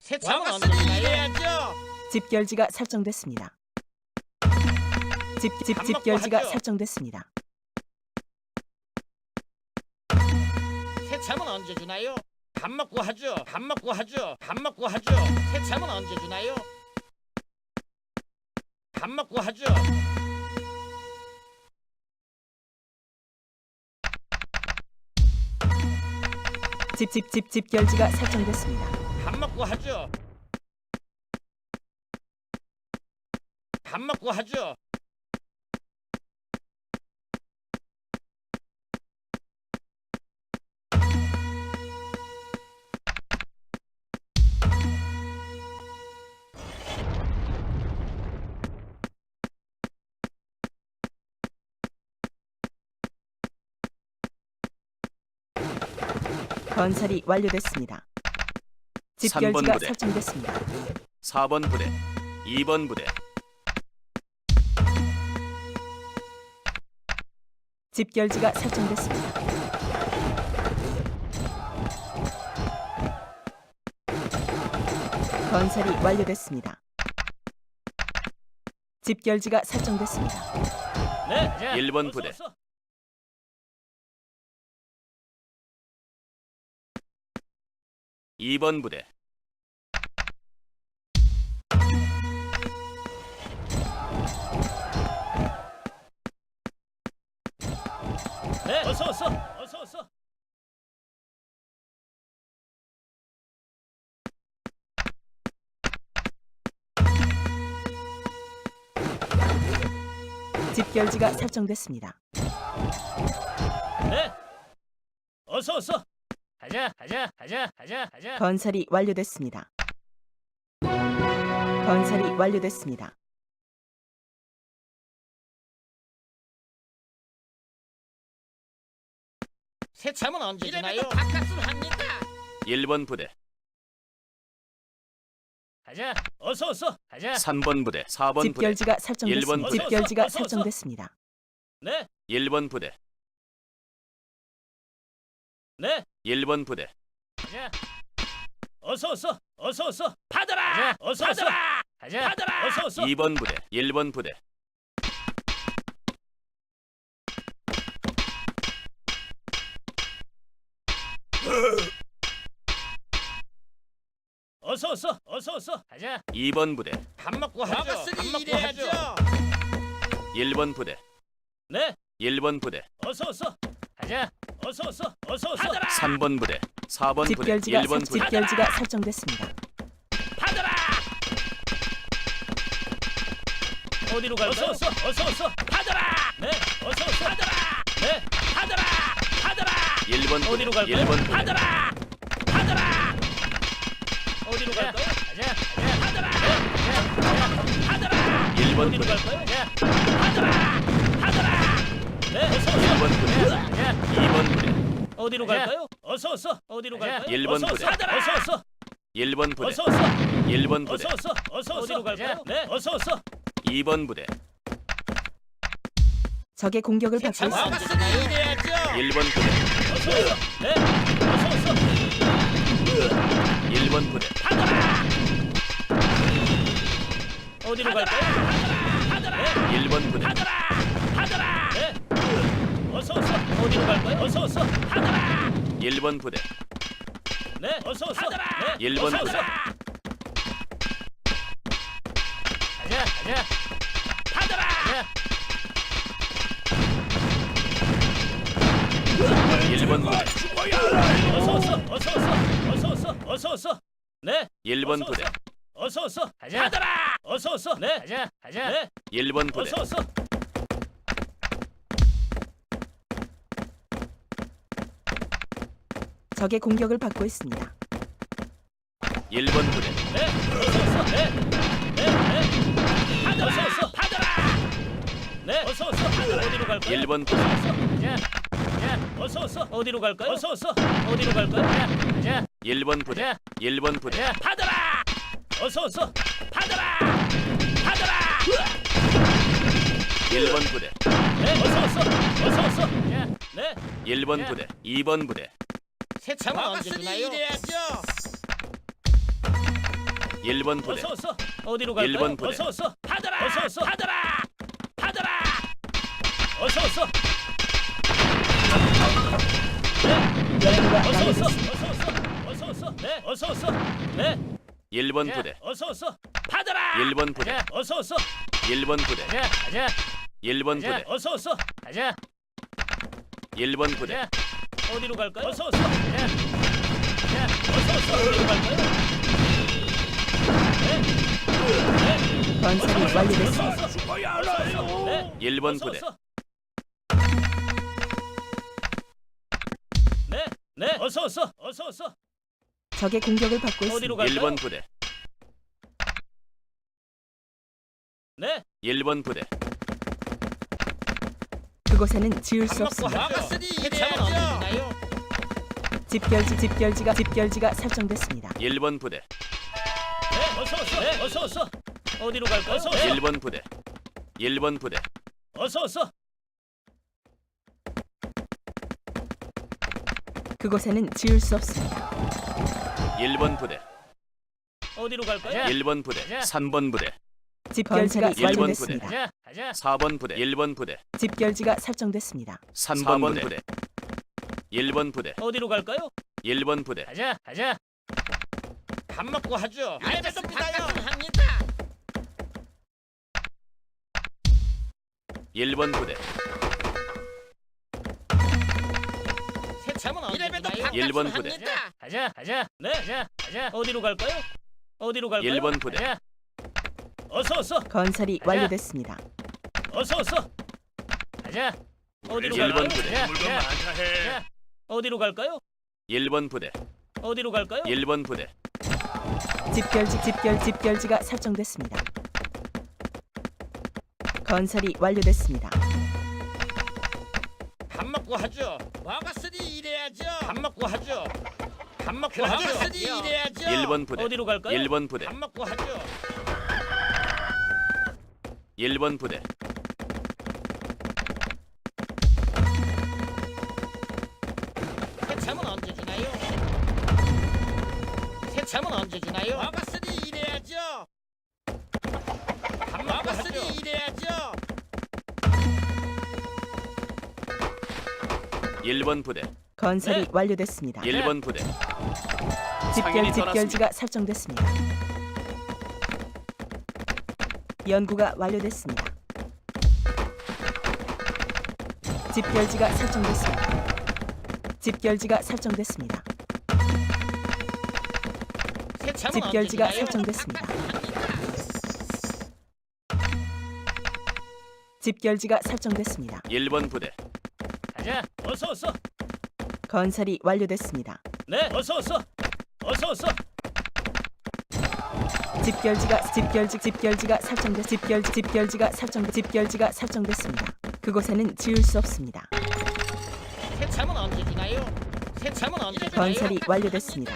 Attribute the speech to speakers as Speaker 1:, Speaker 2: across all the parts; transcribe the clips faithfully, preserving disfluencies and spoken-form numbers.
Speaker 1: 세참은 언제 주나요?
Speaker 2: 집결지가 설정됐습니다. 집, 집,
Speaker 1: 밥 먹고
Speaker 2: 집결지가
Speaker 1: 하죠.
Speaker 2: 설정됐습니다.
Speaker 1: 세참은 언제 주나요? 밥 먹고 하죠. 밥 먹고 하죠. 밥 먹고 하죠. 세참은 언제 주나요? 밥 먹고 하죠.
Speaker 2: 집, 집, 집, 집결지가 설정됐습니다.
Speaker 1: 밥 먹고 하죠. 밥 먹고 하죠.
Speaker 2: 건설이 완료됐습니다.
Speaker 3: 삼 번
Speaker 2: 집결지가
Speaker 3: 부대.
Speaker 2: 설정됐습니다.
Speaker 3: 사 번 부대, 이 번 부대,
Speaker 2: 집결지가 설정됐습니다. 건설이 완료됐습니다. 집결지가 설정됐습니다.
Speaker 1: 네. 자,
Speaker 3: 일 번
Speaker 1: 어서,
Speaker 3: 부대.
Speaker 1: 어서.
Speaker 3: 이 번 부대,
Speaker 1: 네. 어서 어서. 어서 어서.
Speaker 2: 집결지가 설정됐습니다.
Speaker 1: 네. 어서 어서. 가자. 가자. 가자. 가자. 가자.
Speaker 2: 건설이 완료됐습니다. 건설이 완료됐습니다.
Speaker 1: 세참은 언제 주나요? 밥값을 합니다.
Speaker 3: 일 번 부대,
Speaker 1: 가자. 어서 어서. 가자.
Speaker 3: 삼 번 부대, 사 번 부대,
Speaker 2: 집결지가
Speaker 3: 일 번
Speaker 2: 설정됐습니다.
Speaker 3: 부대.
Speaker 2: 집결지가
Speaker 1: 어서, 어서, 어서.
Speaker 2: 설정됐습니다.
Speaker 1: 네.
Speaker 3: 일 번 부대,
Speaker 1: 네.
Speaker 3: 일 번 부대,
Speaker 1: 가자. 어서 어서. 어서 어서. 받아라. 가자. 어서 어서. 가자. 받아라. 어서 어서.
Speaker 3: 이 번 부대, 일 번 부대,
Speaker 1: 어서 어서. 어서 어서. 가자.
Speaker 3: 이 번 부대,
Speaker 1: 밥 먹고 하죠. 밥 먹고 하죠.
Speaker 3: 일 번 부대,
Speaker 1: 네.
Speaker 3: 일 번 부대,
Speaker 1: 어서 어서. 가자. 어서 어서. 어서 어서. 받아라.
Speaker 3: 삼 번 부대, 사 번 부대,
Speaker 2: 집결지가
Speaker 3: 일 번
Speaker 2: 설-
Speaker 3: 부대,
Speaker 2: 집결지가 설정됐습니다.
Speaker 1: 받아라. 어디로 갈까요? 어서 어서. 어서 어서. 받아라. 네. 어서 어서. 받아라. 네. 받아라. 받아라.
Speaker 3: 일 번 부대,
Speaker 1: 어디로 갈까요?
Speaker 3: 일 번 부대,
Speaker 1: 받아라. 받아라. 어디로 갈까요? 가자. 가자. 받아라. 네. 가자. 받아라.
Speaker 3: 일 번
Speaker 1: 어디로
Speaker 3: 부대,
Speaker 1: 갈까요? 가자. 받아라. 받아라. 네. 어서 어서.
Speaker 3: 일 번 부대,
Speaker 1: 가자.
Speaker 3: 이 번 부대,
Speaker 1: 어디로
Speaker 2: 가자.
Speaker 1: 갈까요? 어서 어서. 어디로
Speaker 2: 가자.
Speaker 1: 갈까요?
Speaker 3: 일 번
Speaker 1: 어서
Speaker 3: 부대.
Speaker 1: 어서. 받아라. 어서 어서.
Speaker 3: 일 번 부대,
Speaker 1: 어서 어서.
Speaker 3: 일 번 부대,
Speaker 1: 어서 어서. 어서 어서. 어디로 갈까요? 네. 어서 어서.
Speaker 3: 이 번 부대,
Speaker 2: 적의 공격을 받고 있습니다.
Speaker 3: 일 번 부대,
Speaker 1: 어서 어서. 네. 어서 어서.
Speaker 3: 일 번 부대,
Speaker 1: 어디로 갈까요? 받아라.
Speaker 3: 일 번 부대,
Speaker 1: 받아라. 받아라. 네. 어서 어서. 어디로 갈까요? 어서 어서. 받아라.
Speaker 3: 일 번 부대,
Speaker 1: 네. 어서 어서. 네.
Speaker 3: 일 번
Speaker 1: 어서,
Speaker 3: 부대.
Speaker 1: 어서. 가자. 가자. 받아라.
Speaker 3: 일 번 부대,
Speaker 1: 어서 어서. 어서 어서. 어서 어서. 어서 어서. 네.
Speaker 3: 일 번
Speaker 1: 어서,
Speaker 3: 부대,
Speaker 1: 어서 어서. 가자. 받아라. 어서 어서. 네. 가자. 가자. 네.
Speaker 3: 일 번 부대,
Speaker 1: 어서 어서.
Speaker 2: 적의 공격을 받고 있습니다.
Speaker 3: 일 번 부대,
Speaker 1: 네. 어서 어서. 네. 네. 네. 받아라. 어서 어서. 받아라. 네. 어서 어서. 어디로 갈까요?
Speaker 3: 일 번 부대,
Speaker 1: 자, 자, 어서 어서. 어디로 갈까요? 어서 어서. 어디로 갈까요? 자, 자,
Speaker 3: 일 번 부대,
Speaker 1: 자,
Speaker 3: 일 번 부대,
Speaker 1: 자, 받아라. 어서 어서. 받아라. 받아라.
Speaker 3: 일 번 부대,
Speaker 1: 네, 어서 어서. 어서 어서. 자, 네.
Speaker 3: 일 번 부대, 이 번 부대,
Speaker 1: 세참은 언제 주나요?
Speaker 3: 일 번 부대.
Speaker 1: 어서 어서. 어디로 갈까요?
Speaker 3: 일 번 부대.
Speaker 1: 어서 어서. 받아라. 어서 어서. 받아라. 받아라. 어서 어서.
Speaker 2: 연구가
Speaker 1: 어서 어서.
Speaker 2: 완료됐습니다.
Speaker 1: 어서 어서. 어서 어서. 네. 어서 어서. 네.
Speaker 3: 일 번
Speaker 1: 자,
Speaker 3: 부대.
Speaker 1: 어서 어서. 받아라.
Speaker 3: 일 번 부대.
Speaker 1: 가자. 어서 어서.
Speaker 3: 일 번 부대.
Speaker 1: 가자. 가자.
Speaker 3: 일 번
Speaker 1: 가자.
Speaker 3: 부대.
Speaker 1: 어서 어서. 가자.
Speaker 3: 일 번 부대.
Speaker 1: 가자. 어디로 갈까요? 어서 어서. 가자. 가자. 어서 어서. 어디로 갈까요? 네. 네.
Speaker 2: 건설이 완료됐습니다.
Speaker 1: 죽어야 알아요. 네.
Speaker 3: 일 번
Speaker 1: 어서,
Speaker 3: 부대.
Speaker 1: 어서. 네. 네. 어서 어서. 어서 어서.
Speaker 2: 적의 공격을 받고
Speaker 1: 어디로
Speaker 2: 있습니다.
Speaker 1: 갈까요?
Speaker 3: 일 번 부대.
Speaker 1: 네.
Speaker 3: 일 번 부대.
Speaker 2: 그곳에는 지을 수 없습니다.
Speaker 1: 막았으니 이래야죠.
Speaker 2: 집결지 집결지가 집결지가 설정됐습니다.
Speaker 3: 일 번 부대.
Speaker 1: 네. 어서 어서. 네. 어서 어서. 어디로 갈까요? 어서 어서.
Speaker 3: 일 번 부대. 일 번 부대.
Speaker 1: 어서 어서.
Speaker 2: 그곳에는 지을 수 없습니다.
Speaker 3: 일 번 부대.
Speaker 1: 어디로 갈까요?
Speaker 3: 일 번 부대.
Speaker 1: 가자.
Speaker 3: 삼 번 부대.
Speaker 2: 집결지가
Speaker 3: 일 번 부대.
Speaker 2: 완료됐습니다.
Speaker 1: 가자. 가자.
Speaker 3: 사 번 부대. 일 번 부대.
Speaker 2: 집결지가 설정됐습니다.
Speaker 3: 삼 번 부대. 일 번 부대.
Speaker 1: 어디로 갈까요?
Speaker 3: 일 번 부대.
Speaker 1: 가자. 가자. 밥 먹고 하죠.
Speaker 4: 알겠습니다요.
Speaker 1: 합니다.
Speaker 3: 일 번 부대.
Speaker 1: 세참은
Speaker 4: 이래봬도
Speaker 1: 언제
Speaker 3: 일 번 부대.
Speaker 4: 합니다.
Speaker 1: 가자. 가자. 네. 가자. 가자. 어디로 갈까요? 어디로 갈까요?
Speaker 3: 일 번 부대.
Speaker 1: 가자. 어서 어서.
Speaker 2: 건설이
Speaker 1: 가자.
Speaker 2: 완료됐습니다.
Speaker 1: 어서 어서. 가자. 어디로
Speaker 3: 일 번
Speaker 1: 갈까요?
Speaker 3: 부대.
Speaker 1: 가자. 가자. 가자. 어디로 갈까요?
Speaker 3: 일 번 부대.
Speaker 1: 어디로 갈까요?
Speaker 3: 일 번 부대.
Speaker 2: 집결지 집결 집결지가 설정됐습니다. 건설이 완료됐습니다.
Speaker 1: 밥 먹고 하죠.
Speaker 4: 먹었으니 이래야죠.
Speaker 1: 밥 먹고 하죠. 밥 먹고
Speaker 4: 먹었으니
Speaker 1: 하죠.
Speaker 4: 이래야죠.
Speaker 3: 일 번 부대.
Speaker 1: 어디로 갈까요?
Speaker 3: 일 번 부대.
Speaker 1: 밥 먹고 하죠.
Speaker 3: 일 번 부대.
Speaker 1: 세참은 언제 주나요? 세참은 언제 주나요?
Speaker 4: 먹었으니 이래야죠.
Speaker 1: 밥 먹고 하죠.
Speaker 4: 먹었으니 이래야죠.
Speaker 3: 일 번 부대.
Speaker 2: 건설이
Speaker 1: 네.
Speaker 2: 완료됐습니다.
Speaker 3: 일 번 부대.
Speaker 2: 집결
Speaker 3: 상인이
Speaker 2: 집결지가 설정됐습니다. 연구가 완료됐습니다. 집결지가 설정됐습니다. 집결지가 설정됐습니다.
Speaker 1: 세참은
Speaker 2: 집결지가
Speaker 1: 언제 주나요?
Speaker 2: 설정됐습니다. 집결지가 설정됐습니다.
Speaker 3: 일 번 부대.
Speaker 1: 가자. 어서 어서.
Speaker 2: 건설이 완료됐습니다.
Speaker 1: 네. 어서 어서. 어서 어서.
Speaker 2: 집결지가 집결지 집결지가 설정됐 집결지 집결지가 설정 집결지가 설정됐습니다. 그곳에는 지을 수 없습니다.
Speaker 1: 세참은 언제 주나요? 세참은 언제 주나요?
Speaker 2: 건설이 완료됐습니다.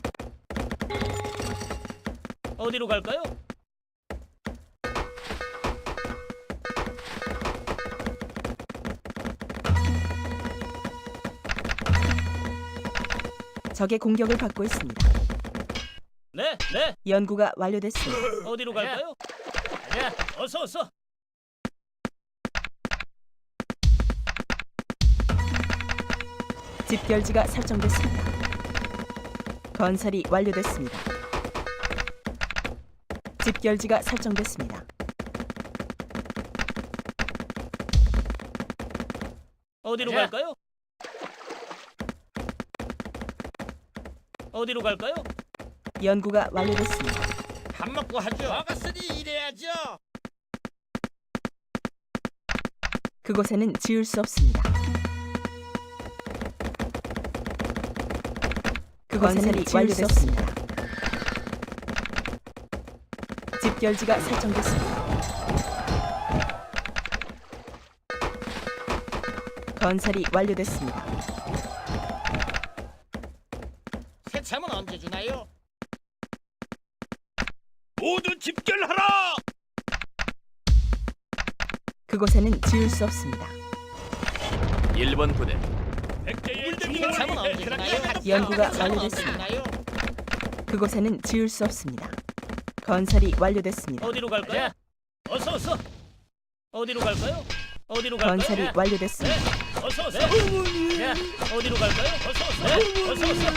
Speaker 1: 어디로 갈까요?
Speaker 2: 적의 공격을 받고 있습니다.
Speaker 1: 네. 네.
Speaker 2: 연구가 완료됐습니다.
Speaker 1: 어디로 갈까요? 가자. 어서 어서.
Speaker 2: 집결지가 설정됐습니다. 건설이 완료됐습니다. 집결지가 설정됐습니다.
Speaker 1: 어디로
Speaker 4: 가자.
Speaker 1: 갈까요? 어디로 갈까요?
Speaker 2: 연구가 완료됐습니다.
Speaker 1: 밥 먹고 하죠.
Speaker 4: 먹었으니 이래야죠.
Speaker 2: 그곳에는 지을 수 없습니다. 그곳에는 지을 수 없습니다. 집결지가 설정됐습니다. 건설이 완료됐습니다.
Speaker 1: 세참은 언제 주나요?
Speaker 4: 모두 집결하라.
Speaker 2: 그곳에는 지을 수 없습니다.
Speaker 3: 일 번 부대.
Speaker 4: 백제의
Speaker 1: 세참은 언제 주나요?
Speaker 2: 연구가
Speaker 1: 세참은 언제
Speaker 2: 완료됐습니다.
Speaker 1: 주나요?
Speaker 2: 그곳에는 지을 수 없습니다. 건설이 완료됐습니다.
Speaker 1: 어디로 갈까요? 어서 어서. 어디로 갈까요? 어디로 갈까요?
Speaker 2: 건설이
Speaker 1: 네.
Speaker 2: 완료됐습니다.
Speaker 1: 네. 어서 어서. 네. 어디로 갈까요? 어서 어서. 네. 어서 어서.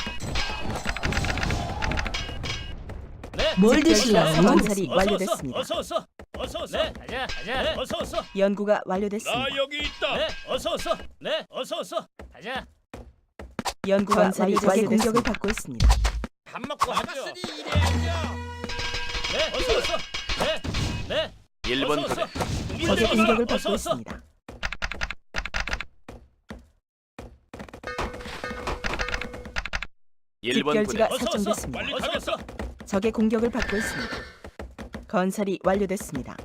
Speaker 1: 네.
Speaker 2: 뭘
Speaker 1: 집결지가
Speaker 2: 드실래요? 건설이
Speaker 1: 어서
Speaker 2: 완료됐습니다.
Speaker 1: 어서 어서. 어서 어서. 네. 가자 가자. 네. 어서 어서.
Speaker 2: 연구가 완료됐습니다.
Speaker 4: 나 여기 있다.
Speaker 1: 네. 어서 어서. 네. 어서 어서. 가자.
Speaker 2: 연구가 완료됐 적의 공격을 받고 있습니다.
Speaker 4: 밥 먹고 하죠. 일해야죠.
Speaker 1: 네. 어서 어서. 네. 네.
Speaker 3: 일 번
Speaker 1: 어서,
Speaker 3: 부대
Speaker 1: 어서.
Speaker 2: 적의
Speaker 1: 어서,
Speaker 2: 공격을
Speaker 1: 어서,
Speaker 2: 받고
Speaker 1: 어서.
Speaker 2: 있습니다.
Speaker 3: 일 번 부대
Speaker 2: 집결지가
Speaker 1: 어서, 어서.
Speaker 2: 설정됐습니다.
Speaker 4: 빨리
Speaker 1: 어서 어서.
Speaker 2: 적의 공격을 받고 있습니다. 건설이 완료됐습니다.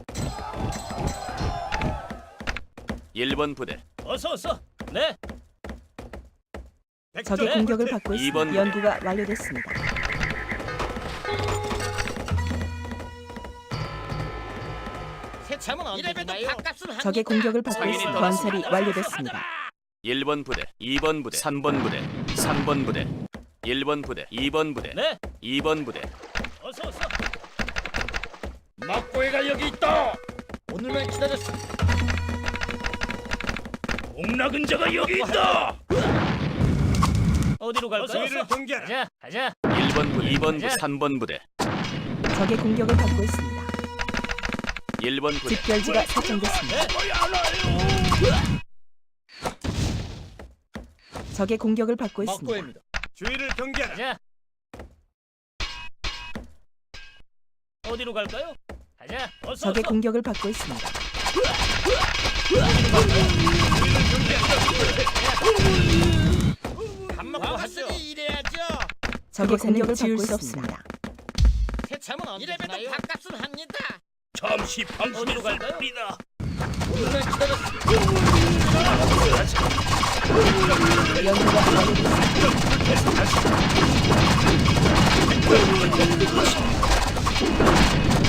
Speaker 3: 일 번 부대
Speaker 1: 어서 어서. 네.
Speaker 2: 적의
Speaker 1: 네.
Speaker 2: 공격을 받고
Speaker 3: 이 번
Speaker 2: 있습니다.
Speaker 3: 부대.
Speaker 2: 연구가 완료됐습니다.
Speaker 4: 새참은 언제 주나요? 밥값은 합니다.
Speaker 2: 적의 공격을 받고
Speaker 3: 상인이
Speaker 2: 있습니다.
Speaker 3: 떠났습니다.
Speaker 2: 건설이 완료됐습니다.
Speaker 3: 일 번 부대 이 번 부대 삼 번 부대 삼 번 부대 일 번 부대 이 번 부대
Speaker 1: 네.
Speaker 3: 이 번 부대
Speaker 1: 어서 어서.
Speaker 4: 막고해가 여기 있다. 오늘만 기다렸어.
Speaker 1: 옥낙은 자가 여기 있다. 어디로 갈까요?
Speaker 4: 저희를 동결.
Speaker 1: 가자 가자.
Speaker 3: 일 번 부대 이 번 부대
Speaker 1: 가자.
Speaker 3: 삼 번 부대
Speaker 2: 적의 공격을 받고 있습니다.
Speaker 3: 일 번 부대
Speaker 2: 집결지가 설정됐습니다.
Speaker 1: 네.
Speaker 2: 적의 공격을 받고 있습니다.
Speaker 4: 막고해입니다. 주의를 경계하라.
Speaker 1: 가자. 어디로 갈까요? 가자. 어서
Speaker 2: 적의
Speaker 1: 어서.
Speaker 2: 공격을 받고 있습니다.
Speaker 4: 밥 먹고 하죠. 일해야죠.
Speaker 2: 적의 공격을 받고 있습니다.
Speaker 4: 새참은 언제 주나요? 이래봬도 밥값은 합니다.
Speaker 1: 잠시 어디로 갈까요?
Speaker 4: 오늘만 기다렸어.
Speaker 2: 연구가 완료됐습니다.